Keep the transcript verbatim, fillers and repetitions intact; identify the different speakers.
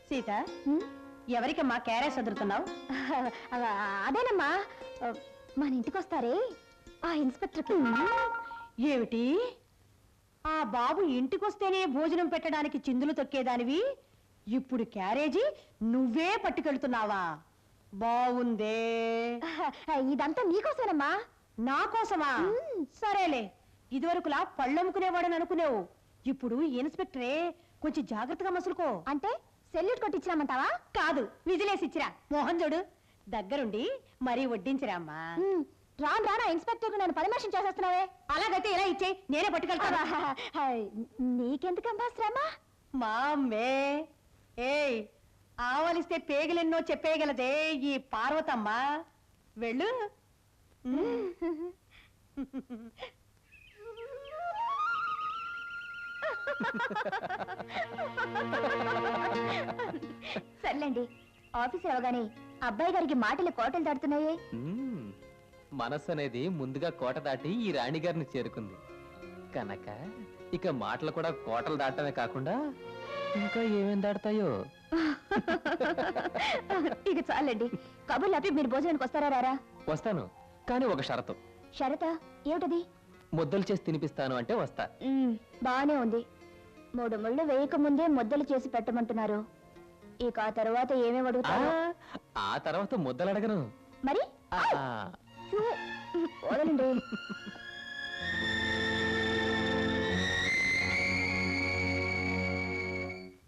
Speaker 1: Sita, ఎవరికమ్మా carrot సదురుతున్నావు?
Speaker 2: అదేనమ్మా, మన ఇంటికి వస్తారే ఆ ఇన్స్పెక్టర్కి.
Speaker 1: ఏమిటి, ఆ బాబు ఇంటికొస్తేనే భోజనం పెట్టడానికి చిందులు తొక్కేదానివి ఇప్పుడు క్యారేజీ నువ్వే పట్టుకెళ్తున్నావా? బావుందే.
Speaker 2: ఇదంతా నీకోసమేనమ్మా.
Speaker 1: నా కోసమా? సరేలే, ఇదివరకులా పళ్ళమ్ముకునేవాడని అనుకునేవు, ఇప్పుడు ఇన్స్పెక్టరే, కొంచెం జాగ్రత్తగా మసులుకో.
Speaker 2: అంటే సెల్యూట్ కొట్టించినామంటావా?
Speaker 1: కాదు, విజిలేసిచ్చిరా. మోహన్ చూడు, దగ్గరుండి మరీ వడ్డించిరామ్మా.
Speaker 2: రాను రానా ఇన్స్పెక్టర్ నన్ను పరామర్శం చేసేస్తున్నావే.
Speaker 1: అలాగైతే ఇలా ఇచ్చే, నేనే పట్టుకెళ్తాను.
Speaker 2: నీకెందుకమ్మా శ్రమ?
Speaker 1: మా అమ్మే. ఏయ్, ఆవలిస్తే పేగలెన్నో చెప్పేయగలదే ఈ పార్వతమ్మ. వెళ్ళు.
Speaker 2: సర్లేండి, ఆఫీసర్ అవగానే అబ్బాయి గారికి మాటలు కోటలు దాటుతున్నాయే.
Speaker 3: మనస్సు అనేది ముందుగా కోట దాటి ఈ రాణిగారిని చేరుకుంది కనుక ఇక మాటలు కూడా కోటలు దాటమే కాకుండా ఇంకా ఏమేం దాడతాయో.
Speaker 2: ఇక చాలండి, కబుర్లు ఆపి మీరు భోజనానికి వస్తారా? రారా?
Speaker 3: వస్తాను, కానీ ఒక షరతు.
Speaker 2: షరతా? ఏమిటది?
Speaker 3: ముద్దలు చేసి తినిపిస్తాను అంటే వస్తా.
Speaker 2: బానే ఉంది. మూడు ముళ్ళు వేయక ముందే ముద్దలు చేసి పెట్టమంటున్నారు. ఇక ఆ తర్వాత ఏమేమి అడుగుతారు?
Speaker 3: ఆ తర్వాత ముద్దలు అడగను
Speaker 2: మరి.
Speaker 3: ఆ
Speaker 2: వదలండి.